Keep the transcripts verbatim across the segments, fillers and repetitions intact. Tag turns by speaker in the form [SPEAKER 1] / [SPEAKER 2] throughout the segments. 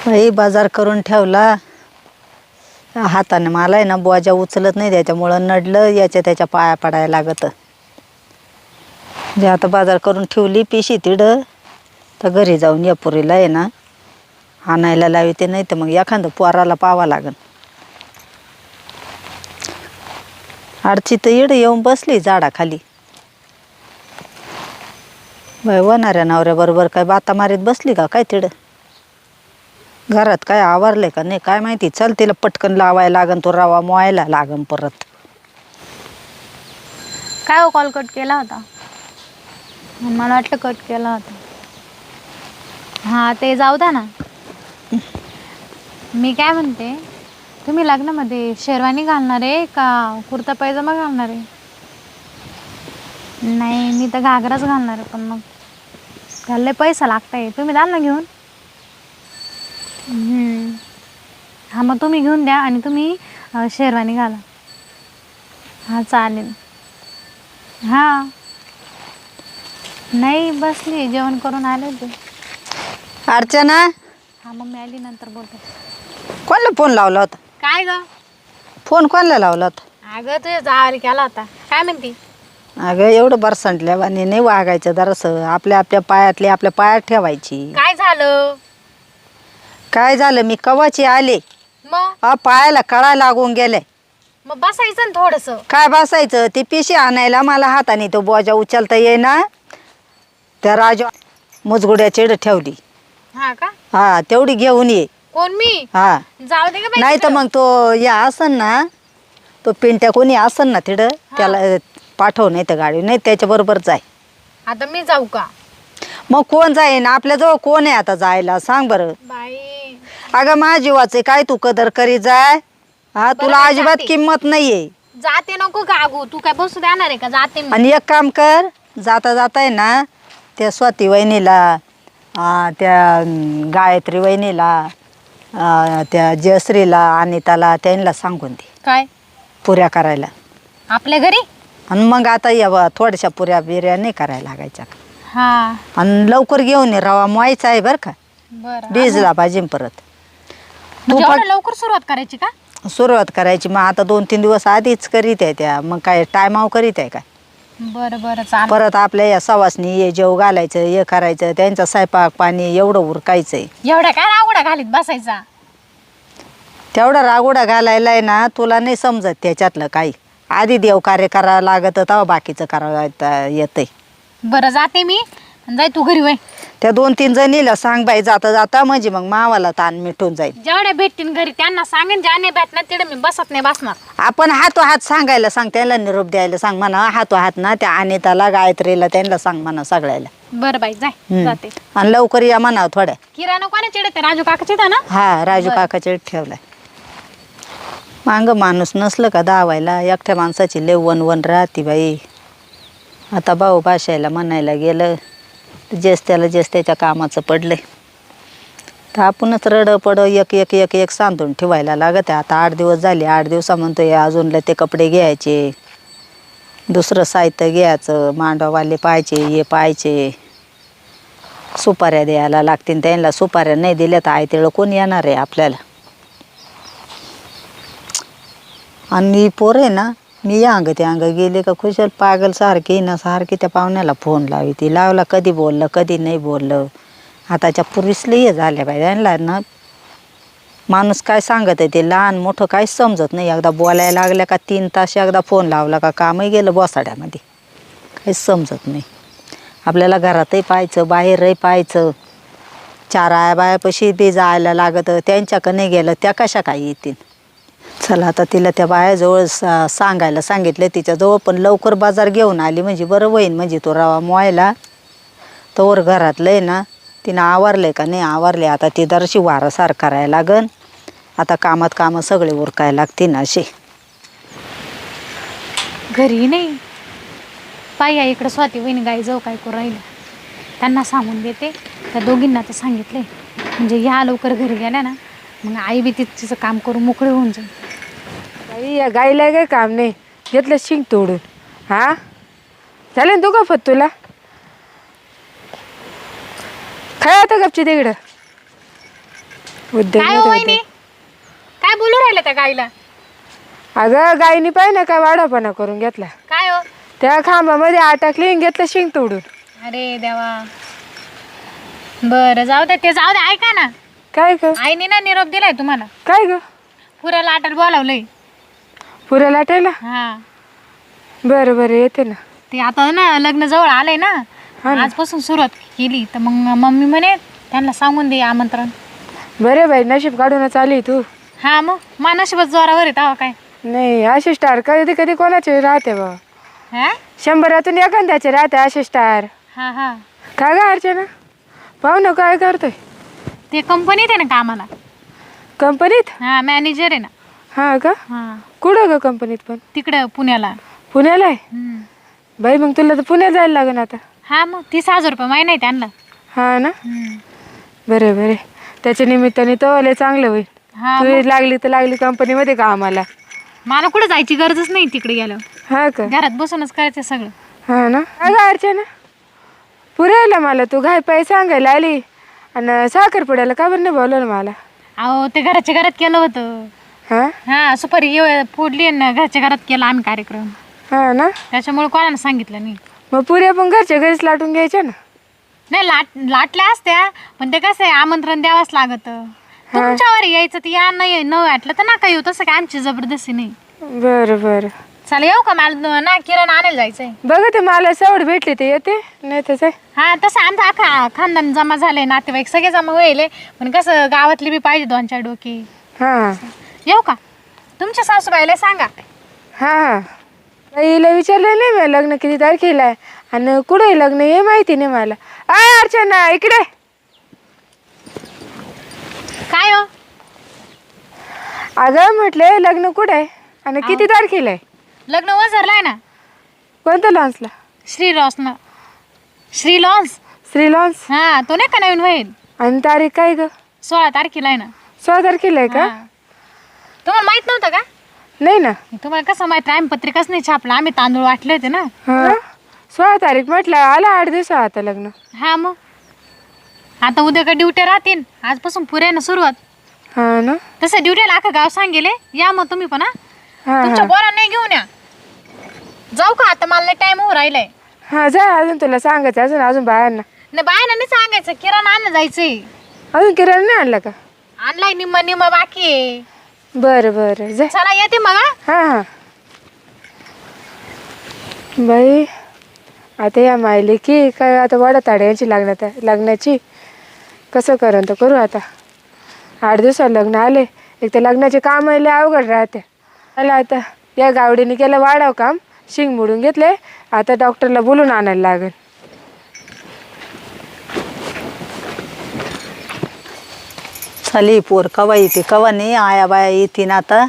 [SPEAKER 1] बाई बाजार करून ठेवला हाताने. मला आहे ना बोजा उचलत नाही त्याच्यामुळं नडलं याच्या त्याच्या पाया पडायला लागत. जे आता बाजार करून ठेवली पिशी तिडं तर घरी जाऊन या पुरीला आहे ना आणायला लावते, नाही तर मग एखादं पोराला पावा लागन. आडची तर इडं येऊन बसली झाडाखाली. बाई होणाऱ्या नवऱ्याबरोबर काय बाता मारीत बसली का काय तिडं? घरात काय आवरले का नाही काय माहिती. चल तिला पटकन लावायला लागन, तो रवा मोहायला लागन परत.
[SPEAKER 2] काय हो कॉल कट केला होता? मला वाटलं कट केला होता. हां ते जाऊ द्या ना. मी काय म्हणते, तुम्ही लग्नामध्ये शेरवानी घालणार आहे का कुर्ता पैजामा घालणार आहे? नाही मी तर घागराच घालणार आहे, पण मग घालले पैसा लागताय. तुम्ही द्याल ना घेऊन? हां मग तुम्ही घेऊन द्या आणि तुम्ही शेरवानी घाला. हां चालेल. हां नाही बसली, जेवण करून आले होते.
[SPEAKER 1] अर्चना,
[SPEAKER 2] हां मग मी आली नंतर बोलते.
[SPEAKER 1] कोणाला फोन लावला होता?
[SPEAKER 2] काय ग?
[SPEAKER 1] फोन कोणाला लावला होता?
[SPEAKER 2] अगं तुझ्या जावाला केला होता. काय म्हणती?
[SPEAKER 1] अगं एवढं बरसंटल्यावानी नाही वागायचं जरासं. आपल्या आपल्या पायातली आपल्या पायात ठेवायची.
[SPEAKER 2] काय झालं?
[SPEAKER 1] काय झालं, मी कवाची आले
[SPEAKER 2] मग
[SPEAKER 1] हा पायाला कळा लागून गेले.
[SPEAKER 2] मग बसायचं ना थोडंसं.
[SPEAKER 1] काय बसायचं, ती पिशी आणायला मला हाताने तो बोजा उचलता येईना. त्या राजा मुजगुड्या चिड ठेवली.
[SPEAKER 2] हा का?
[SPEAKER 1] हा तेवढी घेऊन ये.
[SPEAKER 2] कोण मी?
[SPEAKER 1] हा
[SPEAKER 2] जाऊ दे का बाई
[SPEAKER 1] नाही तर
[SPEAKER 2] तिकडं.
[SPEAKER 1] मग तो या असन ना, तो पिंट्या कोणी असन ना तिकडं त्याला पाठव, नाही तर गाडी नाही त्याच्याबरोबर जाय.
[SPEAKER 2] आता मी जाऊ का?
[SPEAKER 1] मग कोण जाईन आपल्याजवळ? कोण आहे आता जायला सांग बरं?
[SPEAKER 2] बाई
[SPEAKER 1] अगं माझ्या जीवाचे काय तू कदर करी जाय. हा तुला
[SPEAKER 2] बरं,
[SPEAKER 1] अजिबात
[SPEAKER 2] जाते.
[SPEAKER 1] किंमत नाहीये.
[SPEAKER 2] जाते नको गागू. तू काय बसू देणार आहे का? जाते मी.
[SPEAKER 1] आणि एक काम कर, जाता जाता आहे ना त्या स्वाती वहिनीला, आ, त्या अं, गायत्री वहिनीला, आ, त्या जयश्रीला, अनिताला त्यांना सांगून दे
[SPEAKER 2] काय
[SPEAKER 1] पुऱ्या करायला.
[SPEAKER 2] आपल्या घरी?
[SPEAKER 1] आणि मग आता या बा, थोड्याशा पुऱ्या बिर्या नाही करायला लागायच्या.
[SPEAKER 2] हा
[SPEAKER 1] आणि लवकर घेऊन ये, रवा मोहायचा आहे बरं का.
[SPEAKER 2] बरं.
[SPEAKER 1] भिजला पाहिजे परत. तू
[SPEAKER 2] म्हणजे
[SPEAKER 1] पण
[SPEAKER 2] एवढं लवकर सुरुवात करायची का?
[SPEAKER 1] सुरुवात करायची. मग आता दोन तीन दिवस आधीच करीत आहे त्या. मग काय टायमाव करीत आहे काय?
[SPEAKER 2] बरं बरं चालेल.
[SPEAKER 1] परत आपल्या या सवासनी ये जेव घालायचं, हे करायचं, त्यांचा स्वयंपाक पाणी एवढं उरकायचंय.
[SPEAKER 2] एवढ्या काय रावडा घालीत बसायचा?
[SPEAKER 1] तेवढा रागोडा घालायला आहे ना, तुला नाही समजत त्याच्यातलं काही. आधी देव कार्य करावं लागत, तेव्हा बाकीचं करावं येतंय.
[SPEAKER 2] बरं जाते मी. जाय तू घरी वय.
[SPEAKER 1] त्या दोन तीन जणीला सांग बाई जाता जाता, म्हणजे मग मावाला ताण मिटून जाईल.
[SPEAKER 2] जेवढ्या भेटतील घरी त्यांना सांगेन, ज्या नाही भेटणार तिथे मी बसत नाही बसणार.
[SPEAKER 1] आपण हातो हात सांगायला सांग, त्याला निरोप द्यायला सांग म्हणा. हातो हात ना त्या अनिताला गायत्रीला त्यांना सांग म्हणा सगळ्याला.
[SPEAKER 2] बरं बाई जाय.
[SPEAKER 1] हम्म.
[SPEAKER 2] जाते.
[SPEAKER 1] आणि लवकर या म्हणा थोड्या.
[SPEAKER 2] किराणा कोणा चिडते? राजू काकाचे ना?
[SPEAKER 1] हा राजू
[SPEAKER 2] बरं.
[SPEAKER 1] काकाचे ठेवलाय. मांग माणूस नसलं का दावायला, एकट्या माणसाची लय वन वन राहती बाई. आता भाऊ भाषायला म्हणायला गेलं जेस त्याला जेस त्याच्या कामाचं पडलंय, तर आपणच रड पड एक एक एक एक सांधून ठेवायला लागत आहे. आता आठ दिवस झाले, आठ दिवसा म्हणतोय अजूनला ते कपडे घ्यायचे, दुसरं साहित्य घ्यायचं, मांडवाले पाहायचे, हे पाहायचे, सुपाऱ्या द्यायला लागतील. त्यांना सुपाऱ्या नाही दिल्या तर आयतेळं कोण येणार आहे आपल्याला. आणि पोर आहे ना, मी या अंग ते अंग गेले का खुशाल पागल सारखी ना सारखी त्या पाहुण्याला फोन लावी. ती लावला कधी बोललं कधी नाही बोललं. आताच्या पुरीसले हे झाल्या पाहिजे त्यांना ना. माणूस काय सांगत आहे ते लहान मोठं काहीच समजत नाही. एकदा बोलायला लागल्या का तीन तास एकदा फोन लावला का कामही गेलं बसाड्यामध्ये, काहीच समजत नाही. आपल्याला घरातही पाहायचं बाहेरही पाहायचं. चार आया बायापाशी बी जायला लागतं, त्यांच्याकडं नाही गेलं त्या कशा काय येतील. चला आता तिला त्या बायाजवळ सा सांगायला सांगितलं तिच्याजवळ, पण लवकर बाजार घेऊन आली म्हणजे बरं होईन. म्हणजे तो रवा मोहायला तोवर घरातलं आहे ना तिनं आवरले का नाही आवरले. आता ती दरशी वारसार करायला लागन. आता कामात कामं सगळे उरकायला लागतील ना असे.
[SPEAKER 2] घरी नाही पाय या इकडं स्वाती वहिनी गाई जाऊ काय करू राहिलं. त्यांना सांगून देते. त्या दोघींना तर सांगितले म्हणजे ह्या लवकर घरी गेल्या ना, मग आई बी तिचं काम करून मोकळे होऊन जाईल.
[SPEAKER 3] बाई या गाईला काय काम नाही, घेतलं शिंग तोडून. हा झालं तू गफत तुला काय आता गपची तिकडं. उद्योग
[SPEAKER 2] काय
[SPEAKER 3] नाही
[SPEAKER 2] हो
[SPEAKER 3] तर
[SPEAKER 2] वहिनी
[SPEAKER 3] उद्योग.
[SPEAKER 2] काय बोलू राहिलं त्या गाईला?
[SPEAKER 3] अगं गायनी पाहिजे ना काय वाढापणा करून घेतला.
[SPEAKER 2] काय हो?
[SPEAKER 3] त्या खांबामध्ये अटकली आणि घेतलं शिंग तोडून.
[SPEAKER 2] अरे देवा. बरं जाऊ दे, ते जाऊ दे. ऐका ना,
[SPEAKER 3] काय ग?
[SPEAKER 2] आईने ना निरोप दिलाय तुम्हाला.
[SPEAKER 3] काय ग?
[SPEAKER 2] पुऱ्याला आटायला बोलावलंय.
[SPEAKER 3] पुऱ्या लाटायला?
[SPEAKER 2] हा,
[SPEAKER 3] बरं बरं येते ना.
[SPEAKER 2] ते आता ना लग्न जवळ आलंय ना,
[SPEAKER 3] हा ना.
[SPEAKER 2] आजपासून सुरुवात केली तर मग मम्मी म्हणे त्यांना सांगून दे आमंत्रण.
[SPEAKER 3] बरे बाई नशीब काढूनच आली तू.
[SPEAKER 2] हा मग मानशीबच जोरावर आहे तेव्हा काय.
[SPEAKER 3] नाही असे स्टार कधी कधी कोणाचे राहते बा.
[SPEAKER 2] हा
[SPEAKER 3] शंभरातून एखाद्याचे राहते असे स्टार.
[SPEAKER 2] हा हा
[SPEAKER 3] काय ग अर्चना? पाहू ना काय करतोय?
[SPEAKER 2] ते कंपनीत आहे ना कामाला.
[SPEAKER 3] कंपनीत?
[SPEAKER 2] हा मॅनेजर आहे ना.
[SPEAKER 3] हा का?
[SPEAKER 2] हा
[SPEAKER 3] कुठं ग कंपनीत पण?
[SPEAKER 2] तिकडं पुण्याला.
[SPEAKER 3] पुण्याला आहे?
[SPEAKER 2] हम्म.
[SPEAKER 3] बाई मग तुला तर पुण्यात जायला लागेल आता.
[SPEAKER 2] हा मग तीस हजार रुपये महिना आहे त्यांना.
[SPEAKER 3] हा ना.
[SPEAKER 2] हम्म.
[SPEAKER 3] बरे बरे त्याच्या निमित्ताने तो लय चांगलं होईल.
[SPEAKER 2] हा
[SPEAKER 3] तू
[SPEAKER 2] मग.
[SPEAKER 3] लागली तर लागली कंपनीमध्ये का आम्हाला.
[SPEAKER 2] मला कुठं जायची गरजच नाही तिकडे गेल्यावर.
[SPEAKER 3] हा का?
[SPEAKER 2] घरात बसूनच करायचं सगळं.
[SPEAKER 3] हा ना. अगं अर्चना पुरायला मला तू घाय पाय सांगायला आली आणि साखरपुड्याला का बरं नाही बोलवलं मला?
[SPEAKER 2] अहो ते घराच्या घरात केलं होतं.
[SPEAKER 3] हा
[SPEAKER 2] हा सुपारी ये- फोडली ना, घरच्या घरात केला आम्ही कार्यक्रम.
[SPEAKER 3] हा ना.
[SPEAKER 2] त्याच्यामुळे कोणाला सांगितलं नाही.
[SPEAKER 3] मग पुऱ्या पण घरच्या घरीच लाटून घ्यायच्या ना.
[SPEAKER 2] नाही लाट लाटल्या असत्या पण ते कसं आहे आमंत्रण द्यावंच लागत. तुमच्यावर यायचं ते या नाही न वाटलं तर नका येऊ, तसं काय आमची जबरदस्ती नाही.
[SPEAKER 3] बरं बरं
[SPEAKER 2] चला येऊ का? मला ना किराणा आणायला जायचंय.
[SPEAKER 3] बघा ते मला सवड भेटली ते येते नाही तर
[SPEAKER 2] हा तसं आमचं अख्खा खानदान जमा झाले, नातेवाईक सगळे जमा व्हायले, पण कसं गावातली बी पाहिजे दोन चार डोके.
[SPEAKER 3] हा
[SPEAKER 2] येऊ का? तुमच्या सासूबाईला सांगा.
[SPEAKER 3] हा हा हिला विचारलं नाही मी लग्न किती तारखेला आहे आणि कुठे लग्न हे माहिती नाही मला. आ अर्चना इकडे.
[SPEAKER 2] काय हो?
[SPEAKER 3] अगं म्हटलं लग्न कुठे आहे आणि किती तारखेला आहे?
[SPEAKER 2] लग्न वझरलाय ना.
[SPEAKER 3] कोणत्या लॉन्सला?
[SPEAKER 2] श्री लॉन्स ना. श्री लॉन्स.
[SPEAKER 3] श्री लॉन्स.
[SPEAKER 2] हा तो नाही का नवीन होईल?
[SPEAKER 3] आणि तारीख काय ग?
[SPEAKER 2] सोळा तारखेला आहे ना.
[SPEAKER 3] सोळा तारखेला आहे का?
[SPEAKER 2] हा. तुम्हाला माहित नव्हतं का?
[SPEAKER 3] नाही ना.
[SPEAKER 2] तुम्हाला कसं माहित? आम्ही पत्रिकाच नाही छापला, आम्ही तांदूळ वाटले होते ना.
[SPEAKER 3] हा सोळा तारीख म्हटलं आला आठ दिवस आता लग्न.
[SPEAKER 2] हा मग आता उद्या का ड्युट्या राहतील, आजपासून पुऱ्या ना सुरुवात.
[SPEAKER 3] हा ना.
[SPEAKER 2] तसं ड्युटीला अख्खं गाव सांगेले या मग तुम्ही पण. हा
[SPEAKER 3] हा
[SPEAKER 2] तुमच्या
[SPEAKER 3] हा
[SPEAKER 2] पोरांना नाही घेऊन या. जाऊ का आता? मला टाइम होऊ राहिलाय.
[SPEAKER 3] हा जा अजून तुला सांगायचं अजून अजून बायांना.
[SPEAKER 2] नाही बायना नाही सांगायचं, किराणा आणलं जायचंय.
[SPEAKER 3] अजून किराणा नाही आणला का?
[SPEAKER 2] आणलाय निम्मा निम्मा बाकी आहे.
[SPEAKER 3] बरं बरं जा.
[SPEAKER 2] चला येते मग. हा?
[SPEAKER 3] हा हा बाई आता या मायले की काय आता वाडा ताड्यांची लागण्यात लग्नाची कसं करण तर करू आता. आठ दिवसात लग्न आले, एक तर लग्नाचे काम आले अवघड राहते. मला आता या गावडीने केलं वाढाव काम, शिंग मोडून घेतले, आता डॉक्टरला बोलून आणायला लागेल.
[SPEAKER 1] चाली पोर कवा येते कवा नाही, आया बाया येतीन आता.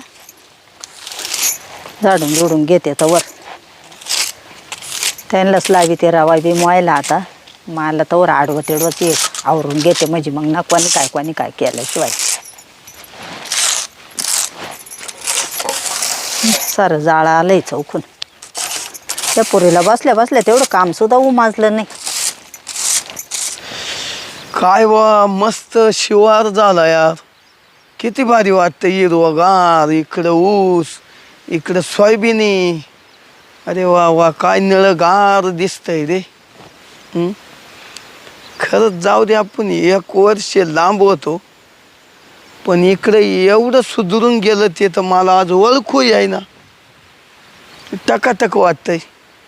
[SPEAKER 1] झाडून झुडून घेते तर वर त्यांनाच लावी ते रवा बी मोयला आता. मला तर वर आडवं तेडवं ते आवरून घेते म्हणजे मग ना कोणी काय कोणी काय केल्याशिवाय सारं जाळं आलंय चौकून. त्या पोरीला बसल्या बसल्या तेवढं काम सुद्धा उमाजलं नाही.
[SPEAKER 4] काय वा मस्त शिवार झाला यार, किती भारी वाटतं. हिरवगार, इकडं ऊस, इकडं सोयाबिनी. अरे वा वा काय निळगार दिसतंय रे. हं? खरंच जाऊ दे, आपण एक वर्ष लांब होतो पण इकडं एवढं सुधरून गेलं ते तर मला आज ओळखू येईना. टकाटक वाटतंय.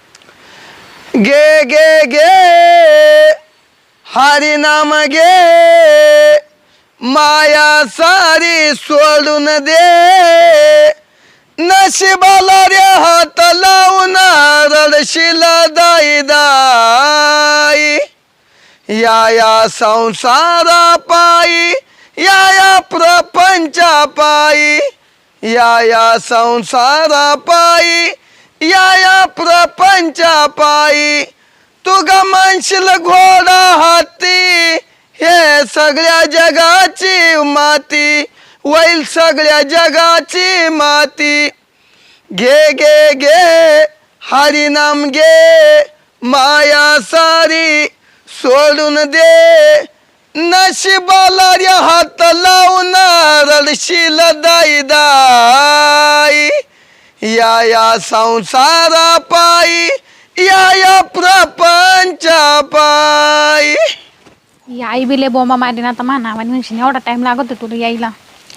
[SPEAKER 4] गे गे गे हरी नाम गे, माया सारी सोडून दे, नशिबाला रे हात लावून रडशील दाई दाई. या या संसारा पायी, या या प्रपंचा पायी, या या संसारा पायी, या या प्रपंचा पायी. तू ग म्हणशील घोडा हाती, हे सगळ्या जगाची माती, वैल सगळ्या जगाची माती. घे घे घे हरिनाम घे, माया सारी सोडून दे, नशिबाला रे हात लावून रडशील दाई दाई या या संसारा पायी या या प्रपंचा पायी.
[SPEAKER 2] ही आई बिले बोंबा मारीन आता म्हणा आणि म्हणशील एवढा टाइम लागतो तुला यायला.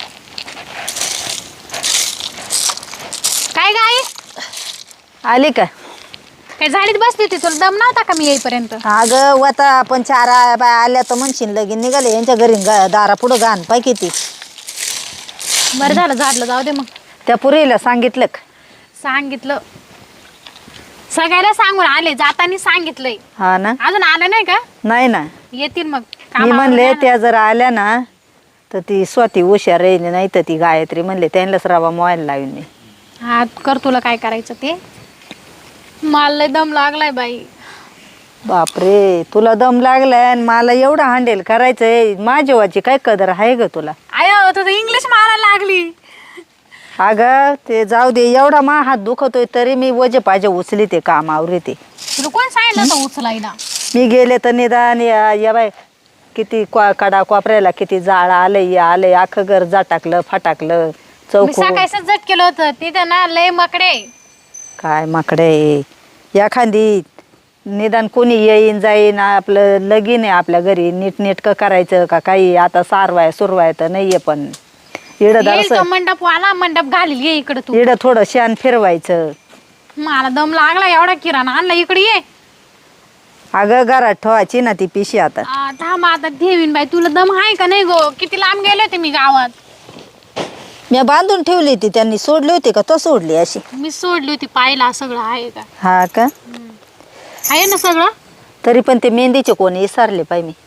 [SPEAKER 2] काय गाई
[SPEAKER 1] आली का?
[SPEAKER 2] काय झाडीत बसली होती तुला दम नव्हता का मी येईपर्यंत?
[SPEAKER 1] अगं वता आपण चार आ- बाय आल्या तर म्हणशील लगीन निघाले यांच्या घरी गा- दारा पुढं घाण पाय किती.
[SPEAKER 2] बरं झालं झाडलं जाऊ दे मग.
[SPEAKER 1] त्या पुरीला सांगितलं का?
[SPEAKER 2] सांगितलं सगळ्याला सांगून आले जातानी सांगितलंय.
[SPEAKER 1] हा ना.
[SPEAKER 2] अजून आलं नाही का?
[SPEAKER 1] नाही ना.
[SPEAKER 2] येतील मग
[SPEAKER 1] मी
[SPEAKER 2] कामावर
[SPEAKER 1] म्हणले
[SPEAKER 2] जा ना.
[SPEAKER 1] त्या जर आल्या ना तर ती स्वाती हुशार राहिली नाही तर ती गायत्री म्हणले त्यांनाच रवा मोबाईल लावून नाही.
[SPEAKER 2] हा कर तुला काय करायचं ते. मला लय दम लागलाय बाई.
[SPEAKER 1] बापरे तुला दम लागलाय आणि मला एवढं हँडल करायचंय. माझ्या वाची काय कदर आहे ग तुला?
[SPEAKER 2] आयो तुझं इंग्लिश मारायला लागली.
[SPEAKER 1] अगं ते जाऊ दे. एवढा मा हात दुखतोय तरी मी वजे पाहिजे उचली ते काम आवरते.
[SPEAKER 2] तुला कोण सांगितलं होतं उचलायला?
[SPEAKER 1] मी गेले तर निदान या या बाय किती क्वा कडा कोपऱ्याला किती जाळ आलंय आलंय अख्खं घर जाटाकलं फटाकलं
[SPEAKER 2] मी
[SPEAKER 1] चौक.
[SPEAKER 2] सकाळीच झट केलं होतं तिथं ना लय मकडे.
[SPEAKER 1] काय माकडे एखादी निदान कोणी येईन जाईन आपलं लगीन आहे आपल्या घरी नीटनेटकं करायचं का काही. आता सारवाय सुरवाय तर नाहीये पण इडं
[SPEAKER 2] येईल तो
[SPEAKER 1] दरस
[SPEAKER 2] मंडप वाला मंडप घालील ये इकडे तू.
[SPEAKER 1] इडं थोडं शान फिरवायचं.
[SPEAKER 2] मला दम लागला एवढा किराणा आणला इकडे ये.
[SPEAKER 1] अगं घरात ठेवायची ना ती पिशी आता.
[SPEAKER 2] आ, थांब आता ठेवीन बाई. तुला दम आहे का नाही गो? किती लांब गेले होते मी गावात.
[SPEAKER 1] मी बांधून ठेवली ती त्यांनी सोडली होती का तो सोडली अशी?
[SPEAKER 2] मी सोडली होती पाहिला सगळं आहे का.
[SPEAKER 1] हा का?
[SPEAKER 2] आहे ना सगळं.
[SPEAKER 1] तरी पण ते मेहंदीचे कोणी विसरले पाय मी.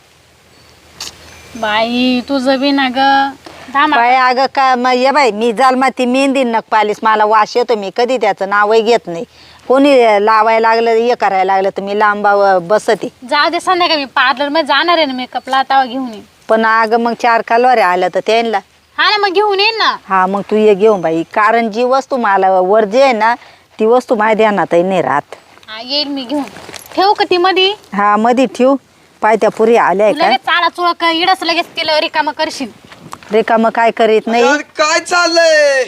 [SPEAKER 2] बाई तुझं बी ना ग. थांब
[SPEAKER 1] काय अगं का मग ये बाई मी जालमा ती मेहंदी नक पालीस मला वास येतो. मी कधी त्याचं नावही घेत नाही. कोणी लावायला लागलं हे करायला लागलं तर मी लांबा बसते.
[SPEAKER 2] जाऊ दे संध्याकाळी मी पार्लर मध्ये जाणार आहे ना मेकअपला तेव्हा घेऊन ये.
[SPEAKER 1] पण अगं मग चार कालवाऱ्या आल्या तर त्यांना.
[SPEAKER 2] हा ना मग घेऊन येईन ना.
[SPEAKER 1] हा मग तू ये घेऊन बाई. कारण जी वस्तू मला वर जे आहे ना ती वस्तू माझ्या ध्यानातही नाही राहत.
[SPEAKER 2] हा येईल मी घेऊन. ठेवू का ती मधी?
[SPEAKER 1] हा मध्ये ठेव. पाय त्या पुरी आल्या
[SPEAKER 2] तू
[SPEAKER 1] का
[SPEAKER 2] लगेच चाळा चुळक इडच लगेच केलं रिकामं करशील.
[SPEAKER 1] रेखा मग काय करीत नाही.
[SPEAKER 4] अरे काय चाललंय?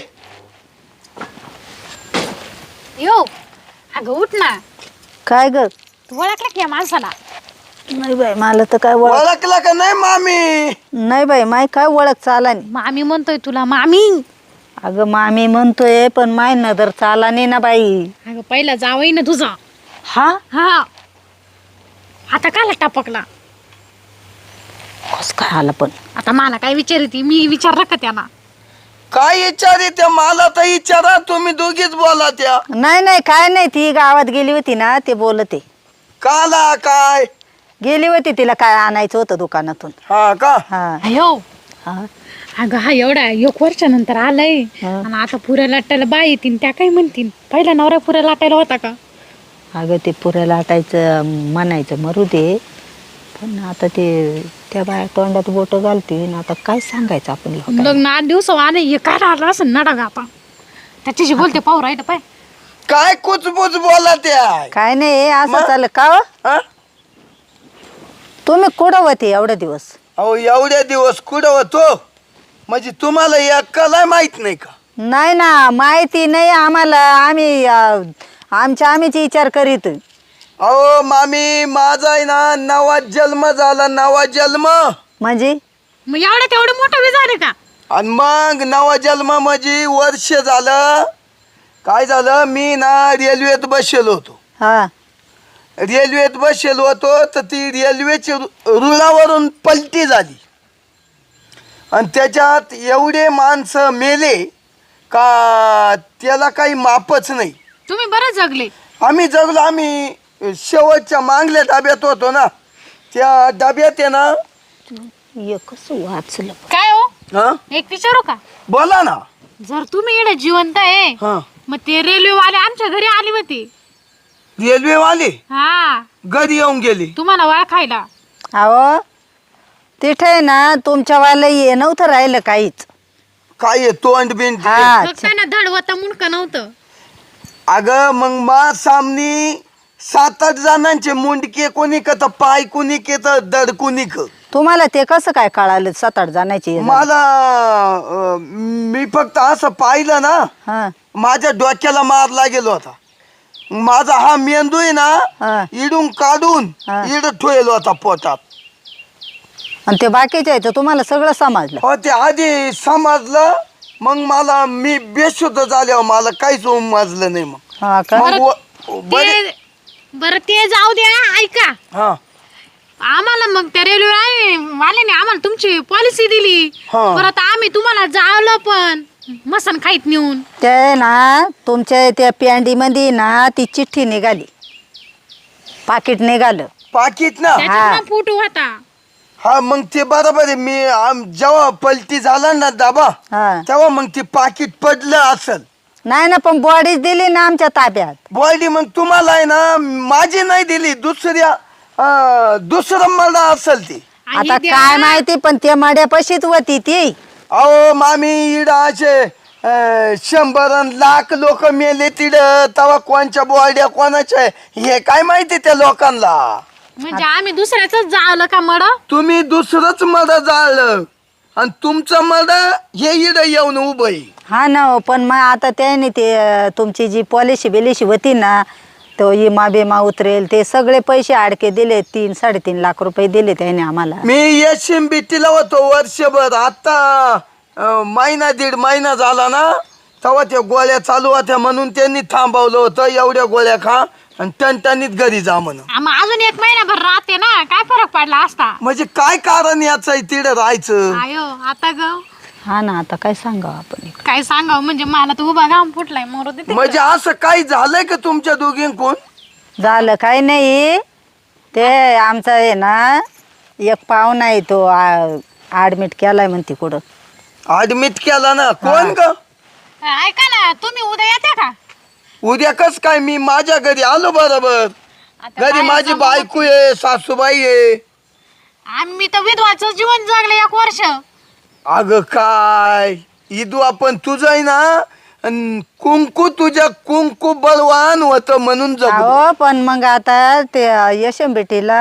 [SPEAKER 2] यो अगं उठ ना.
[SPEAKER 1] काय ग?
[SPEAKER 2] तू ओळखला की या माणसाला?
[SPEAKER 1] नाही बाई मला तर काय ओळख
[SPEAKER 4] ओळखला का नाही मामी?
[SPEAKER 1] नाही बाई माय काय ओळख चाला नाही.
[SPEAKER 2] मामी म्हणतोय तुला मामी.
[SPEAKER 1] अगं मामी म्हणतोय पण माय नजर चाला नाही ना बाई.
[SPEAKER 2] अगं पहिला जावई ना तुझा.
[SPEAKER 1] हा
[SPEAKER 2] हा आता काला टपकला.
[SPEAKER 1] कस काय आला पण?
[SPEAKER 2] आता मला काय विचारती मी विचारलं का त्यांना?
[SPEAKER 4] काय विचारी त्या मला तर विचारा तुम्ही दोघीच बोला त्या.
[SPEAKER 1] नाही नाही काय नाही ती गावात गेली होती ना ते बोलते.
[SPEAKER 4] काला काय?
[SPEAKER 1] गेली होती तिला काय आणायचं होतं दुकानातून.
[SPEAKER 4] हा का?
[SPEAKER 1] हा
[SPEAKER 2] अयो
[SPEAKER 1] हा
[SPEAKER 2] अगं हा एवढा एक वर्षानंतर आलाय
[SPEAKER 1] हा.
[SPEAKER 2] आणि आता पुऱ्या लाटायला बाय येतील त्या काय म्हणतील? पहिला नवरा पुऱ्या लाटायला होता का?
[SPEAKER 1] अगं ते पुऱ्या लाटायचं म्हणायचं मरू दे. पण आता ते त्या बाया तोंडात बोट घालतील. आता काय सांगायचं आपण लोकांना?
[SPEAKER 2] लग्न आठ दिवस आले हे काय राहिलं असं नडा गा आता त्याच्याशी बोलते पाहू राहिलं पाय.
[SPEAKER 4] काय कुचबुच बोला त्या?
[SPEAKER 1] काय नाही असं
[SPEAKER 4] मग?
[SPEAKER 1] चाललं का हो?
[SPEAKER 4] हा?
[SPEAKER 1] तुम्ही कुठं होते एवढे दिवस?
[SPEAKER 4] अहो एवढ्या दिवस कुठं होतो म्हणजे तुम्हाला एकाला माहित नाही का?
[SPEAKER 1] नाही ना माहिती नाही आम्हाला. आम्ही अं, आमच्या आम्हीच विचार करीत.
[SPEAKER 4] अहो मामी माझा आहे ना नवा जन्म झाला. नवा जन्म
[SPEAKER 1] म्हणजे
[SPEAKER 2] मग एवढं तेवढं मोठं बी झाले का?
[SPEAKER 4] आणि मग नवा जन्म म्हणजे वर्ष झालं. काय झालं मी ना रेल्वेत बसलेलो होतो.
[SPEAKER 1] हा
[SPEAKER 4] रेल्वेत बसलेलो होतो तर ती रेल्वेची रु- रुळावरून पलटी झाली आणि त्याच्यात एवढे माणसं मेले का त्याला काही मापच नाही.
[SPEAKER 2] तुम्ही बरं जगले.
[SPEAKER 4] आम्ही जगलो. आम्ही शेवटच्या मागल्या डब्यात होतो ना. त्या डब्यात आहे ना.
[SPEAKER 1] एकच वाचलं.
[SPEAKER 2] काय हो
[SPEAKER 4] हा
[SPEAKER 2] एक विचारू का?
[SPEAKER 4] बोला ना.
[SPEAKER 2] जर तुम्ही इकडे जिवंत आहे
[SPEAKER 4] हा
[SPEAKER 2] मग ते रेल्वेवाले आमच्या घरी आले होते.
[SPEAKER 4] रेल्वेवाले
[SPEAKER 2] हा
[SPEAKER 4] घरी येऊन गेले.
[SPEAKER 2] तुम्हाला ओळखायला.
[SPEAKER 1] अहो तिथे ना तुमच्या वाला ये नव्हतं राहिलं काहीच.
[SPEAKER 4] काय आहे, तोंड बिंड
[SPEAKER 1] हा
[SPEAKER 2] फक्त ना धड होता मुंडक नव्हतं.
[SPEAKER 4] अगं मग मा सामनी सात आठ जणांचे मुंडके कोणिक तर पाय कुणिक तर दड कुणिक.
[SPEAKER 1] तुम्हाला ते कसं काय कळालं सात आठ जणांची
[SPEAKER 4] मला अं, मी फक्त असं पाहिलं ना,
[SPEAKER 1] हा
[SPEAKER 4] माझ्या डोक्याला मार लागेल होता. माझा हा मेंदू आहे
[SPEAKER 1] हा.
[SPEAKER 4] ना इडून काढून
[SPEAKER 1] हा.
[SPEAKER 4] इड ठेवलो होता पोटात.
[SPEAKER 1] आणि ते बाकीचे आहे तर तुम्हाला सगळं समजलं.
[SPEAKER 4] हो ते आधी समजलं, मग मला मी बेशुद्ध झाल्यावर मला काहीच उमजलं नाही. मग
[SPEAKER 1] हा का
[SPEAKER 4] मग व- बरे
[SPEAKER 2] ते बरं ते जाऊ द्या. ऐका,
[SPEAKER 4] हा
[SPEAKER 2] आम्हाला मग त्या रेल्वे वाल्याने आम्हाला तुमची पॉलिसी दिली.
[SPEAKER 4] हा.
[SPEAKER 2] परत आम्ही तुम्हाला जावलं पण मसन खाईत नेऊन.
[SPEAKER 1] ते ना तुमच्या त्या पॅन्डीमध्ये ना ती चिठ्ठी निघाली, पाकिट निघालं.
[SPEAKER 4] पाकिट ना.
[SPEAKER 2] त्याच्यात ना फोटो होता.
[SPEAKER 4] हा मग ते बरोबर आहे. मी आम- जेव्हा पलटी झाला ना दाबा,
[SPEAKER 1] हा
[SPEAKER 4] तेव्हा मग ते पाकिट पडलं असल.
[SPEAKER 1] नाही ना, पण बॉडीच दिली ना आमच्या ताब्यात.
[SPEAKER 4] बॉडी मग तुम्हाला आहे ना माझी नाही दिली, दुसऱ्या अं, दुसरं मला असेल ती.
[SPEAKER 2] आणि
[SPEAKER 1] आता
[SPEAKER 2] द्या.
[SPEAKER 1] काय माहिती, पण ते मड्यापाशीच होती ती.
[SPEAKER 4] अहो मामी इड असे अं, शंभर अन लाख लोक मेले तिड, तवा कोणच्या बॉड्या कोणाच्या आहे, हे काय माहिती त्या लोकांना.
[SPEAKER 2] म्हणजे आम्ही दुसऱ्याच जावलं का मड.
[SPEAKER 4] तुम्ही दुसरंच मड जाळलं आणि तुमचं मड हे इड येऊन उभं आहे.
[SPEAKER 1] हा ना हो, पण मग आता त्याने ते अं, तुमची जी पॉलिसी बिलिशी होती ना, तो इमा बिमा उतरेल ते सगळे पैसे अडके दिले. तीन साडेतीन लाख रुपये दिले त्याने आम्हाला.
[SPEAKER 4] मी यशिम बीटीला होतो वर्षभर. आता अं, महिना दीड महिना झाला ना, तेव्हा त्या गोळ्या चालू होत्या म्हणून त्यांनी थांबवलं होतं. एवढ्या गोळ्या खा आणि टणटणीत घरी जा म्हणून.
[SPEAKER 2] आम्ही अजून एक महिनाभर राहते ना, काय फरक पडला असता.
[SPEAKER 4] म्हणजे काय कारण याचं आहे तिड राहायचं.
[SPEAKER 2] आयो आता ग
[SPEAKER 1] हा ना, आता काय सांगावं आपण.
[SPEAKER 2] काय सांगावं, म्हणजे मला तर उभा घाम फुटलाय मोर देते.
[SPEAKER 4] म्हणजे असं काही झालंय का तुमच्या दोघींकून?
[SPEAKER 1] झालं काय नाही, ते आमचा आहे ना एक पाहुणा आहे, तो ॲडमिट केलाय म्हणते कुठं.
[SPEAKER 4] ऍडमिट केला ना. कोण ग?
[SPEAKER 2] ऐका ना, तुम्ही उद्या येते का?
[SPEAKER 4] उद्या कस काय? मी माझ्या घरी आलो बरोबर.
[SPEAKER 2] आता
[SPEAKER 4] घरी
[SPEAKER 2] काय
[SPEAKER 4] माझी
[SPEAKER 2] सांगू?
[SPEAKER 4] बायको आहे, सासूबाई आहे.
[SPEAKER 2] आम्ही तर विधवाचं जीवन जगले एक वर्ष.
[SPEAKER 4] अगं काय इदू आपण तुझं आहे ना, अन कुंकू तुझ्या कुंकू बलवान होत म्हणून जगू.
[SPEAKER 1] हो, पण मग आता ते यशंबेटीला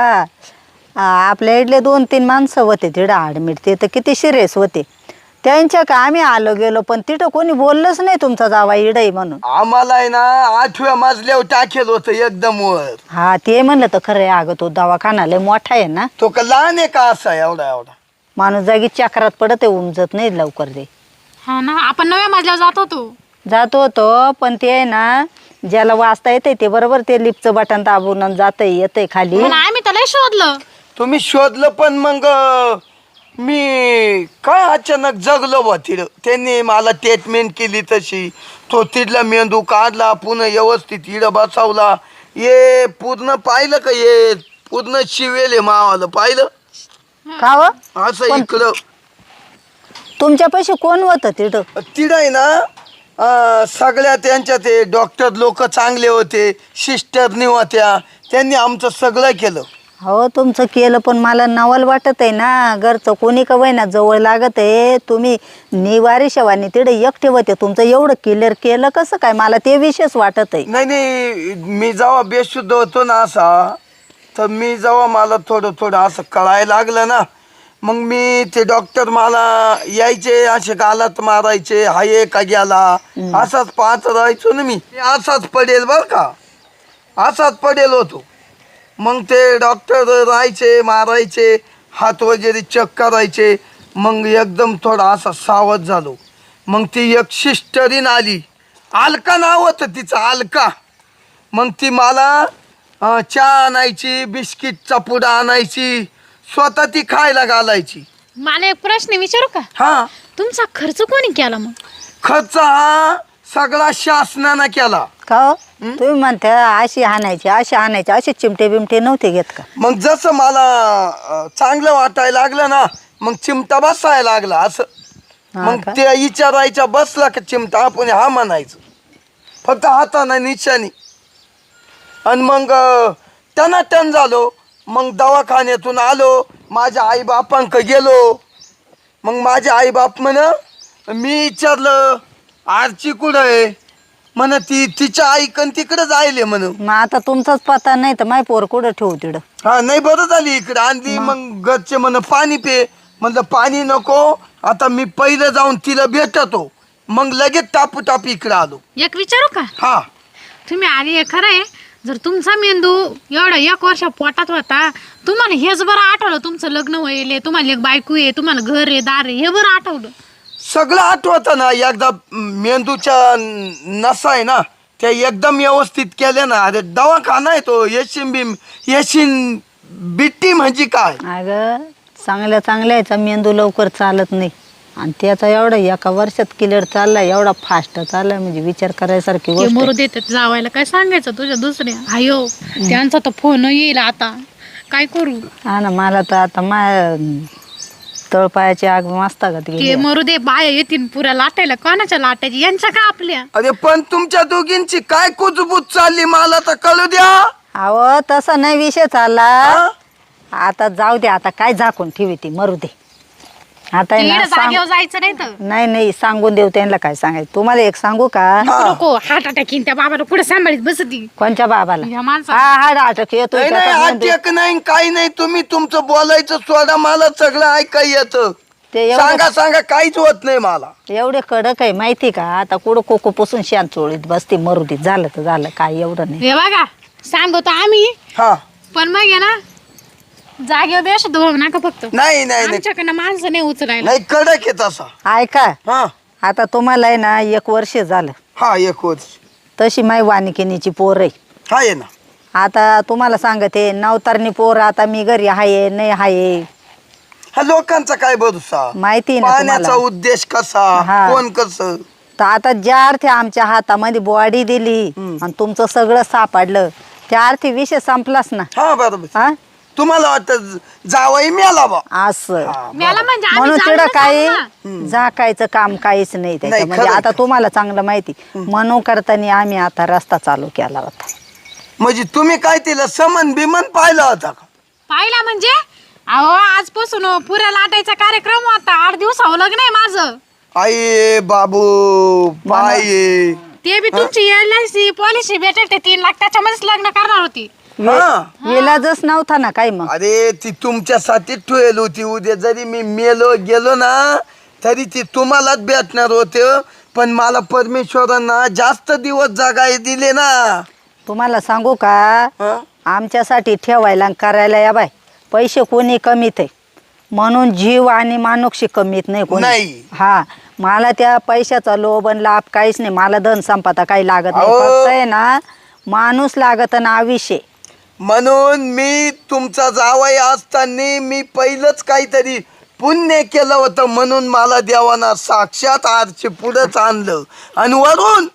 [SPEAKER 1] आपल्या इथले दोन तीन माणसं होते तिथं ॲडमिट. ते तर किती सिरियस होते. त्यांच्या का आम्ही आलो गेलो, पण तिथं कोणी बोललंच नाही तुमचा जावा इडई म्हणून.
[SPEAKER 4] आम्हाला आहे ना आठव्या मजल्यावर टाकेल होतं एकदम वर.
[SPEAKER 1] हा ते म्हणलं तर खरं आहे. अगं तो दवाखाना लय मोठा आहे ना,
[SPEAKER 4] तो का लहान आहे का असा एवढा एवढा?
[SPEAKER 1] माणूस जागी चक्रात पडत आहे, उमजत नाही लवकर. ते
[SPEAKER 2] हा ना, आपण नव्या मजल्यावर जात होतो.
[SPEAKER 1] जातो होतो, पण ते आहे ना ज्याला वाचता येते ते बरोबर ते लिफ्टचं बटन दाबून जातंय येतंय खाली.
[SPEAKER 2] पण आम्ही तर लय शोधलं.
[SPEAKER 4] तुम्ही शोधलं पण मग मी काय अचानक जगलो बा तिड. त्यांनी मला ट्रीटमेंट केली तशी. तो तिथला मेंदू काढला, पुन्हा व्यवस्थित इड बसवला. ये पूर्ण पाहिलं का? ये पूर्ण शिवेले मावाला पाहिलं
[SPEAKER 1] का हो?
[SPEAKER 4] असं
[SPEAKER 1] पण-
[SPEAKER 4] इकडं.
[SPEAKER 1] तुमच्यापाशी कोण होतं तिथं?
[SPEAKER 4] तिड आहे ना अं, सगळ्या त्यांच्या ते डॉक्टर लोक चांगले होते, सिस्टरनी होत्या. त्यांनी आमचं सगळं केलं.
[SPEAKER 1] हो तुमचं केलं, पण मला नवल वाटत आहे ना. घरचं कोणी का ना जवळ लागत आहे. तुम्ही निवारी शेवानी तिथे एकटे होते, तुमचं एवढं क्लिअर केलं कसं काय? मला ते विशेष वाटत आहे.
[SPEAKER 4] नाही नाही, मी जेव्हा बेशुद्ध होतो ना असा, तर मी जेव्हा मला थोडं थोडं असं कळायला लागलं ना, मग मी ते डॉक्टर मला यायचे, असे गालात मारायचे, हाये का गेला असाच पाहत राहायचो ना मी. असाच पडेल बर का, असाच पडेल होतो. मग ते डॉक्टर राहायचे, मारायचे, हात वगैरे चेक करायचे. मग एकदम थोडा असा सावध झालो. मग ती एक सिस्टरीन आली, अलका नाव होतं तिचं, अलका. मग ती मला अं, चहा आणायची, बिस्किटचा पुडा आणायची, स्वतः ती खायला घालायची.
[SPEAKER 2] मला एक प्रश्न विचारू का?
[SPEAKER 4] हा,
[SPEAKER 2] तुमचा खर्च कोणी केला मग?
[SPEAKER 4] खर्च हा सगळा शासनानं केला.
[SPEAKER 1] का हो? तुम्ही म्हणता अशी आणायची अशी आणायची, असे चिमटे बिमटे नव्हते घेत का?
[SPEAKER 4] मग जसं मला अं, चांगलं वाटायला लागलं ना, मग चिमटा बसायला लागला असं.
[SPEAKER 1] हा
[SPEAKER 4] मग
[SPEAKER 1] का?
[SPEAKER 4] ते विचारायच्या बसला का चिमटा, आपण हा म्हणायचं फक्त हाताने निशाणी. आणि मग टना टन झालो. मग दवाखान्यातून आलो, माझ्या आईबापांक गेलो. मग माझे आईबाप म्हण, मी विचारलं आरची कुठं आहे? म्हण ती तिच्या आईकन तिकडे जायले म्हण.
[SPEAKER 1] मग आता तुमचाच पत्ता नाही तर माय पोर कुठं ठेवू तिकडं.
[SPEAKER 4] हा नाही बरं झाली इकडे आणली. मग घरचे म्हण पाणी पे, म्हणलं पाणी नको, आता मी पहिलं जाऊन तिला भेटतो, मग लगेच टापू टापू इकडे आलो.
[SPEAKER 2] एक विचारू का?
[SPEAKER 4] हा
[SPEAKER 2] तुम्ही आधी हे खरं आहे, जर तुमचा मेंदू एवढा एक वर्ष पोटात होता, तुम्हाला हेच बरं आठवलं तुमचं लग्न होईल, तुम्हाला एक बायको आहे, तुम्हाला घर आहे दार आहे, हे बरं आठवलं.
[SPEAKER 4] सगळं आठवत ना. एकदा मेंदूच्या नसा आहे ना त्या एकदम व्यवस्थित केल्या ना. अरे दवाखाना आहे तो. येशीन बी येशीन बिट्टी म्हणजे काय.
[SPEAKER 1] अगं चांगल्या चांगल्याचा मेंदू लवकर चालत नाही, आणि त्याचा एवढा एका वर्षात क्लिअर चाललाय, एवढा फास्ट चाललाय, म्हणजे विचार करायसारखी
[SPEAKER 2] ते
[SPEAKER 1] गोष्ट
[SPEAKER 2] मरू
[SPEAKER 1] आहे.
[SPEAKER 2] देतात जावायला, काय सांगायचं तुझ्या दुसऱ्या आयो, त्यांचा तर फोन येईल आता, काय करू.
[SPEAKER 1] हा ना, मला तर आता माय तळपायाची आग मस्तकात
[SPEAKER 2] ते
[SPEAKER 1] गेली.
[SPEAKER 2] मरू दे, बाया येतील पुऱ्या लाटायला, कोणाच्या लाटायची, यांच्या का आपल्या.
[SPEAKER 4] अरे पण तुमच्या दोघींची काय कुजबूज चालली मला तर कळू द्या.
[SPEAKER 1] अहो तसा नाही विषय चालला.
[SPEAKER 4] हा?
[SPEAKER 1] आता जाऊ दे, आता काय झाकून ठेवी ती, मरू दे. आता आहे ना,
[SPEAKER 2] इकडं
[SPEAKER 1] सांग-
[SPEAKER 2] जागेवर जायचं नाही तर
[SPEAKER 1] नाही नाही सांगून देऊ त्यांना काय सांगायचं. तुम्हाला एक सांगू का?
[SPEAKER 4] हा.
[SPEAKER 2] नको हार्ट अटॅक येईन त्या बाबाला, कुठे सांभाळीत बसती
[SPEAKER 1] कोणच्या बाबाला?
[SPEAKER 2] या माणसा.
[SPEAKER 1] हा हा नाटक येतोय
[SPEAKER 4] नाही नाही
[SPEAKER 1] त्याचा मेंदू.
[SPEAKER 4] अटॅक नाही काही नाही. तुम्ही तुमचं बोलायचं सोडा, मला सगळं ऐकाय येतं.
[SPEAKER 1] ते
[SPEAKER 4] सांगा
[SPEAKER 1] एवढं
[SPEAKER 4] सांगा काहीच होत नाही मला.
[SPEAKER 1] एवढे कडक आहे माहिती का? आता कुठं कोको पुसून शांत चोळीत बसते, मरू दे, झालं तर झालं, काय एवढं नाही.
[SPEAKER 2] हे बघा सांगतो आम्ही,
[SPEAKER 4] हा
[SPEAKER 2] पण मग आहे ना जागेवर बेश दोघ नका फक्त.
[SPEAKER 4] नाही नाही नाही
[SPEAKER 2] आमच्याकडनं माणसं नाही उचलायला.
[SPEAKER 4] नाही कडक आहे तसा.
[SPEAKER 1] ऐका,
[SPEAKER 4] हा
[SPEAKER 1] आता तुम्हाला आहे ना एक वर्ष झालं,
[SPEAKER 4] हा एक वर्ष
[SPEAKER 1] तशी माय वानिकिनीची पोर आहे.
[SPEAKER 4] हा आहे ना.
[SPEAKER 1] आता तुम्हाला सांगते, नवतारणी पोर आता मी घरी हाये नाही हाये
[SPEAKER 4] हा लोकांचा काय भरोसा.
[SPEAKER 1] माहिती ना
[SPEAKER 4] पाण्याचा
[SPEAKER 1] तुम्हाला.
[SPEAKER 4] उद्देश कसा,
[SPEAKER 1] हा.
[SPEAKER 4] कोण कसं.
[SPEAKER 1] तर आता ज्या अर्थी आमच्या हातामध्ये बॉडी दिली आणि तुमचं सगळं सापडलं, त्या अर्थी विषय संपलाच ना.
[SPEAKER 4] हा बरोबर.
[SPEAKER 1] हा
[SPEAKER 4] तुम्हाला वाटत जावई मिळाला बा.
[SPEAKER 1] असं
[SPEAKER 2] मला म्हणजे आम्ही
[SPEAKER 1] म्हणून
[SPEAKER 2] जाऊन
[SPEAKER 1] तिकडं
[SPEAKER 2] तर
[SPEAKER 1] काही
[SPEAKER 2] सांगू ना.
[SPEAKER 1] झाकायचं काम काहीच नाही त्याच्या. म्हणजे
[SPEAKER 4] खरंय,
[SPEAKER 1] आता
[SPEAKER 4] खरंय.
[SPEAKER 1] तुम्हाला चांगलं माहिती, म्हणून करताना आम्ही आता रस्ता चालू केला होता.
[SPEAKER 4] म्हणजे तुम्ही काय तिला समन बिमन पाहिला होता का?
[SPEAKER 2] पाहिला म्हणजे अहो आजपासून पुऱ्या लाटायचा कार्यक्रम होता. आठ दिवसावर लग्न आहे माझं.
[SPEAKER 4] आई बाबू बाई.
[SPEAKER 2] ते बी तुमची एल आय सी पॉलिसी भेटेल ते तीन लाख, त्याच्यामध्येच लग्न करणार होती.
[SPEAKER 4] हा
[SPEAKER 1] इलाजच नव्हता ना काही. मग
[SPEAKER 4] अरे ती तुमच्यासाठी ठेवली होती. उद्या जरी मी मेलो गेलो ना तरी ती तुम्हालाच भेटणार होते. पण मला परमेश्वरांना जास्त दिवस जगाय दिले ना.
[SPEAKER 1] तुम्हाला सांगू का,
[SPEAKER 4] हा?
[SPEAKER 1] आमच्यासाठी ठेवायला आणि करायला या बाय पैसे कोणी कमीत आहे, म्हणून जीव आणि मानुक्षी कमीत नाही कोणी.
[SPEAKER 4] नाही.
[SPEAKER 1] हा, मला त्या पैशाचा लोभ आणि लाभ काहीच नाही. मला धन संपदा काही लागत नाही.
[SPEAKER 4] अहो.
[SPEAKER 1] फक्त आहे ना माणूस लागत ना आयुष्य.
[SPEAKER 4] म्हणून मी तुमचा जावई असताना मी पहिलंच काहीतरी पुण्य केलं होतं, म्हणून मला देवाना साक्षात आरचे पुढंच आणलं. आणि वरून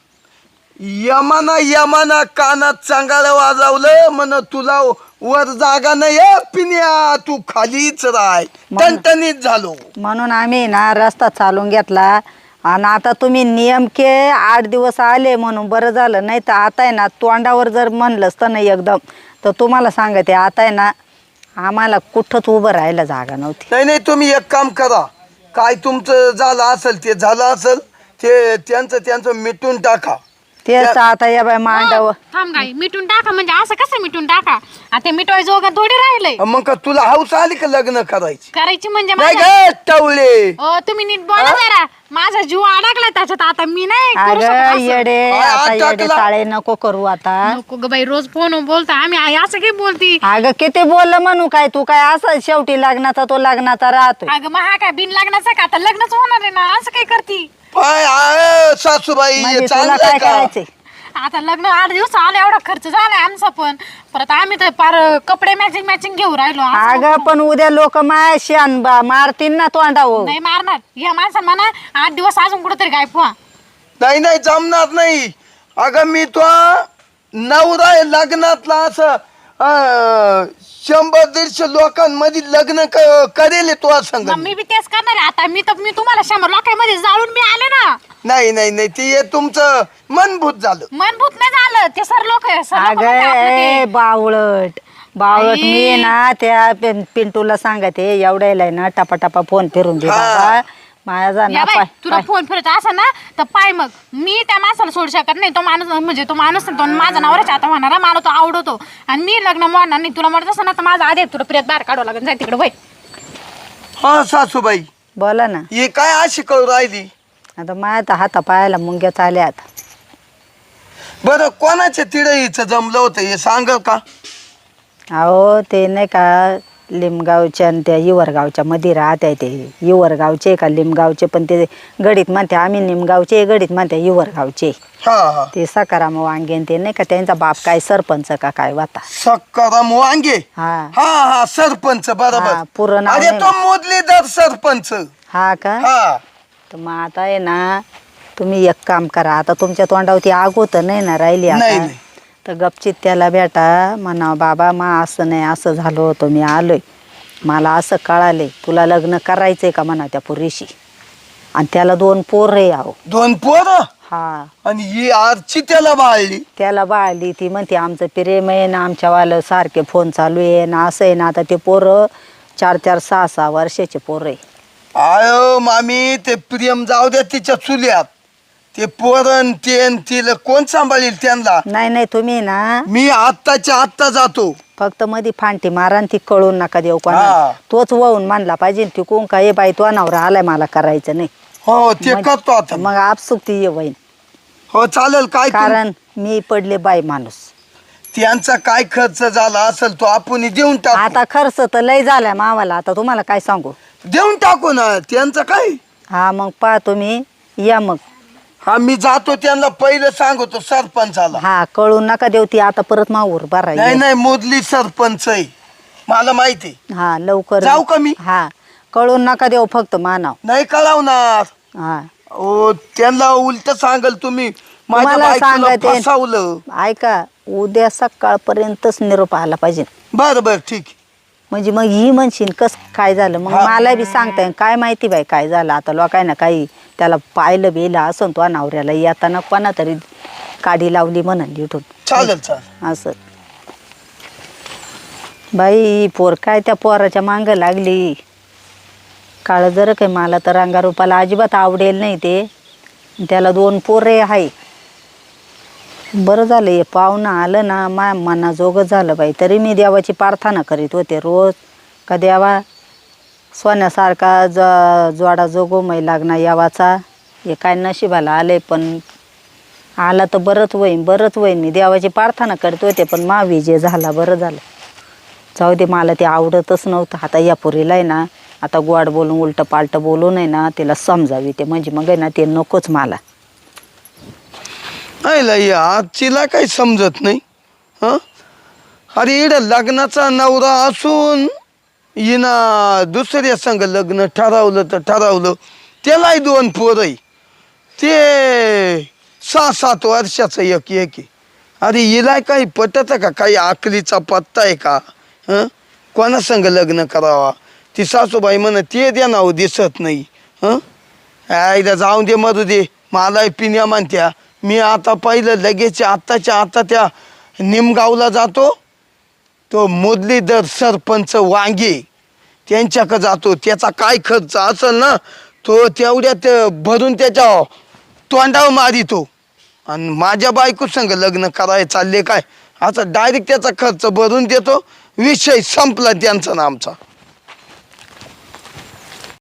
[SPEAKER 4] यमाना यमाना कानात चांगाला वाजवलं, म्हण तुला वर जागा नाही पिण्या, तू खालीच राय. टणटणीत झालो.
[SPEAKER 1] म्हणून आम्ही ना रस्ता चालून घेतला. आणि आता तुम्ही नेमके आठ दिवस आले म्हणून बरं झालं. नाही तर आता आहे ना तोंडावर जर म्हणलंच तर नाही एकदम, तर तुम्हाला सांगते आता आहे ना आम्हाला कुठंच उभं राहायला जागा नव्हती.
[SPEAKER 4] नाही नाही तुम्ही एक काम करा. काय तुमचं झालं असेल ते झालं असेल, ते त्यांचं त्यांचं मिटून टाका.
[SPEAKER 1] तेच आता या बाय मांडावं.
[SPEAKER 2] हो, थांब गाई मिटून टाका म्हणजे असं कसं मिटून टाका? आता मिटवाय जोगा थोडी राहिलंय.
[SPEAKER 4] मग का तुला हौस आली का लग्न करायची?
[SPEAKER 2] करायची म्हणजे
[SPEAKER 4] नाही
[SPEAKER 2] माझ्या-
[SPEAKER 4] ग टवळे.
[SPEAKER 2] हो तुम्ही नीट बोला जरा. माझा जीव अडकला त्याच्यात, आता मी नाही करू शकत
[SPEAKER 1] अगं
[SPEAKER 2] असं.
[SPEAKER 1] येडे,
[SPEAKER 4] काय
[SPEAKER 1] आता
[SPEAKER 4] आत
[SPEAKER 1] येडे
[SPEAKER 4] टाकला?
[SPEAKER 1] चाळे नको करू आता.
[SPEAKER 2] नको ग बाई, रोज फोन बोलता आम्ही आई असं काही बोलती.
[SPEAKER 1] अगं किती बोललं म्हणू काय तू, काय असं शेवटी लग्नाचा तो लग्नाचा राहतोय.
[SPEAKER 2] अगं मग हा काय बिन लग्नाचा का? आता लग्नच होणार आहे ना, असं काही करती.
[SPEAKER 4] पाय आहे, सासूबाई
[SPEAKER 1] म्हणजे तुला
[SPEAKER 4] चांगलं
[SPEAKER 1] काय
[SPEAKER 4] आहे का?
[SPEAKER 1] करायचंय?
[SPEAKER 2] आता लग्न आठ दिवस आले, एवढा खर्च झालाय आमचा. पण परत आम्ही तर पार कपडे मॅचिंग मॅचिंग घेऊ राहिलो. असं
[SPEAKER 1] अगं
[SPEAKER 2] नको.
[SPEAKER 1] पण उद्या लोक माय शान मारतील ना तोंडावर.
[SPEAKER 2] नाही मारणार या माणसानं म्हणा आठ दिवस अजून कुठेतरी गायब व्हा.
[SPEAKER 4] नाही नाही जमणार नाही. अगं मी तो नवरा आहे लग्नातला, असं अं, शंभर दीडशे लोकांमध्ये लग्न क- करेल तो संग.
[SPEAKER 2] मग मी बी तेच करणार आहे. आता मी तर मी तुम्हाला शंभर लोकांमध्ये जाळून मी आले ना.
[SPEAKER 4] नाही नाही नाही ते हे तुमचं मनभूत झालं.
[SPEAKER 2] मनभूत नाही झालं ते सर लोक
[SPEAKER 1] अगं ए बावळट बावळट,
[SPEAKER 2] आई.
[SPEAKER 1] मी ना त्या पिं- पिंटूला सांगते एवढ्याला आहे ना टपा टपा फोन फिरून दे
[SPEAKER 4] हा.
[SPEAKER 1] बाबा. माया जा
[SPEAKER 2] या
[SPEAKER 1] ना
[SPEAKER 2] बाई,
[SPEAKER 1] पाय
[SPEAKER 2] तुला
[SPEAKER 1] पाय.
[SPEAKER 2] फोन फिरत असं ना तर पाय मग मी त्या माणसाला सोडू शकत नाही. तो माणूस म्हणजे तो माणूस तो माझा नवऱ्याच्या आता होणारा, मला तो आवडतो आणि मी लग्न मोडणार नाही. तुला म्हणत असं ना तर माझा आधी तुला प्रियात बाहेर काढावं लागेल. जाय तिकडे वय.
[SPEAKER 4] हा सासूबाई,
[SPEAKER 1] बोला ना.
[SPEAKER 4] हे काय अशी करू राहिली?
[SPEAKER 1] आता माया तर हाता पायाला मुंग्या चाल्यात.
[SPEAKER 4] बरं कोणाच्या तिडईचं जमलं होतं हे सांग का?
[SPEAKER 1] अहो ते नाही का लिमगावच्या आणि त्या युवरगावच्या मध्ये राहत्या ते युवरगावचे का लिमगावचे, पण ते गडीत म्हणते आम्ही निमगावचे, गडीत म्हणते युवरगावचे.
[SPEAKER 4] हा हा
[SPEAKER 1] ते सकाराम वांगेन ते नाही का त्यांचा बाप काय सरपंच का काय वाता.
[SPEAKER 4] सकाराम वांगे.
[SPEAKER 1] हा
[SPEAKER 4] हा हा सरपंच
[SPEAKER 1] हा,
[SPEAKER 4] बरोबर.
[SPEAKER 1] पूर्ण नाव
[SPEAKER 4] अरे
[SPEAKER 1] नाही
[SPEAKER 4] तो मुरलीधर सरपंच.
[SPEAKER 1] हा का.
[SPEAKER 4] हा
[SPEAKER 1] तर मग आता आहे ना तुम्ही एक काम करा, आता तुमच्या तोंडावरती आग होतं नाही ना राहिली
[SPEAKER 4] नाही,
[SPEAKER 1] आता,
[SPEAKER 4] नाही.
[SPEAKER 1] तर गपचित त्याला बेटा म्हणा बाबा मा असं नाही असं झालं होतं, मी आलोय, मला असं कळाले, तुला लग्न करायचंय का म्हणा त्या पोरीशी. आणि त्याला दोन पोर रे आहो.
[SPEAKER 4] दोन पोर
[SPEAKER 1] हा
[SPEAKER 4] आणि ही आरची त्याला बाळली.
[SPEAKER 1] त्याला बाळली. ती म्हणते आमचं प्रेम आहे ना, आमच्यावालं सारखे फोन चालू आहे ना, असं आहे ना. आता ते पोरं चार चार सहा सहा वर्षाचे पोरं आहे.
[SPEAKER 4] आयो मामी ते प्रेम जाऊ द्या तिच्या चुल्यात. ते पोरण तेन तिला कोण सांभाळील त्यांना?
[SPEAKER 1] नाही नाही तुम्ही ना
[SPEAKER 4] मी आत्ताच्या आत्ता जातो.
[SPEAKER 1] फक्त मध्ये फांटी मारा आणि ती कळून नका देऊ
[SPEAKER 4] हा.
[SPEAKER 1] कोणा. तोच वाहून मानला पाहिजे ती कोण का ये बाई तो नवरा आलाय मला करायचं नाही.
[SPEAKER 4] हो ते
[SPEAKER 1] मग-
[SPEAKER 4] करतो आता.
[SPEAKER 1] मग आपसुक ती ये वहीन.
[SPEAKER 4] हो चालेल. काय तुम-
[SPEAKER 1] कारण मी पडले बाई माणूस.
[SPEAKER 4] त्यांचा काय खर्च झाला असेल तो आपण देऊन टाकू.
[SPEAKER 1] आता खर्च तर लय झालाय मावाला. आता तुम्हाला काय सांगू.
[SPEAKER 4] देऊन टाकू ना त्यांचं काय.
[SPEAKER 1] हा मग पहा तुम्ही या मग.
[SPEAKER 4] हा मी जातो त्यांना पहिलं सांगतो सरपंचाला.
[SPEAKER 1] हा कळून नका देऊ ती आता परत मावर बरा
[SPEAKER 4] नाही नाही मोदली सरपंच आहे मला माहिती.
[SPEAKER 1] हा लवकर
[SPEAKER 4] जाऊ का मी?
[SPEAKER 1] हा कळून नका देऊ फक्त मानाव.
[SPEAKER 4] नाही कळवणार.
[SPEAKER 1] हा
[SPEAKER 4] ओ त्यांना उलट सांगाल तुम्ही माझ्या
[SPEAKER 1] तुम्हाला
[SPEAKER 4] बायकोला
[SPEAKER 1] सांगते.
[SPEAKER 4] फसवलं.
[SPEAKER 1] ऐका उद्या सकाळपर्यंतच निरोप आला पाहिजे.
[SPEAKER 4] बर बर ठीक आहे.
[SPEAKER 1] म्हणजे मग ही म्हणशील कस काय झालं. मग
[SPEAKER 4] हा.
[SPEAKER 1] मला बी सांगताय काय माहिती बाई काय झालं. आता लोकांना काही त्याला पाहिलं बिलं असं तो नवऱ्याला येताना कोणा तरी काडी लावली म्हणून लिठून
[SPEAKER 4] चालेल चालेल.
[SPEAKER 1] असं. बाई पोर काय त्या पोराच्या मांग लागली. काळ जर काय मला तर रंगारूपाला अजिबात आवडेल नाही ते. त्याला दोन पोरे आहे. बरं झालं हे पाहुणं आलं ना मा मनाजोगं झालं बाई. तरी मी देवाची प्रार्थना करीत होते रोज का देवा सोन्यासारखा ज जोडा जोगोमय लागणार यावाचा. हे काय नशिबाला आले पण आला तर बरंच होईन बरंच होईन. मी देवाची प्रार्थना करत होते पण मा विजय झाला. बरं झालं. जाऊ दे मला ते आवडतच नव्हतं. आता या पोरीला आहे ना आता गोड बोलून उलटं पालटं बोलून आहे ना तिला समजावी ते म्हणजे मग आहे ना ते नकोच मला.
[SPEAKER 4] नाही आजचीला काही समजत नाही. हं अरे इड लग्नाचा नवरा असून हिना दुसऱ्या संग लग्न ठरवलं तर ठरवलं. त्यालाही दोन पोरं आहे. ते सहा सात वर्षाचं एक एक आहे. अरे हिला काही पटत का? काही आकलीचा पत्ता आहे का? हं कोणा संग लग्न करावा. ती सासूबाई म्हण ते द्या नाव दिसत नाही. हं आईला जाऊन दे मरू दे. मलाही पिण्या म्हणत्या. मी आता पाहिलं लगेच आत्ताच्या आता त्या निमगावला जातो. तो मुरलीधर सरपंच वांगे त्यांच्याकडे जातो. त्याचा काय खर्च असेल ना तो तेवढ्यात भरून त्याच्या तोंडावर मारितो. आणि माझ्या बायको संग लग्न करायला चालले काय आता डायरेक्ट त्याचा खर्च भरून देतो. विषय संपला त्यांचा ना आमचा.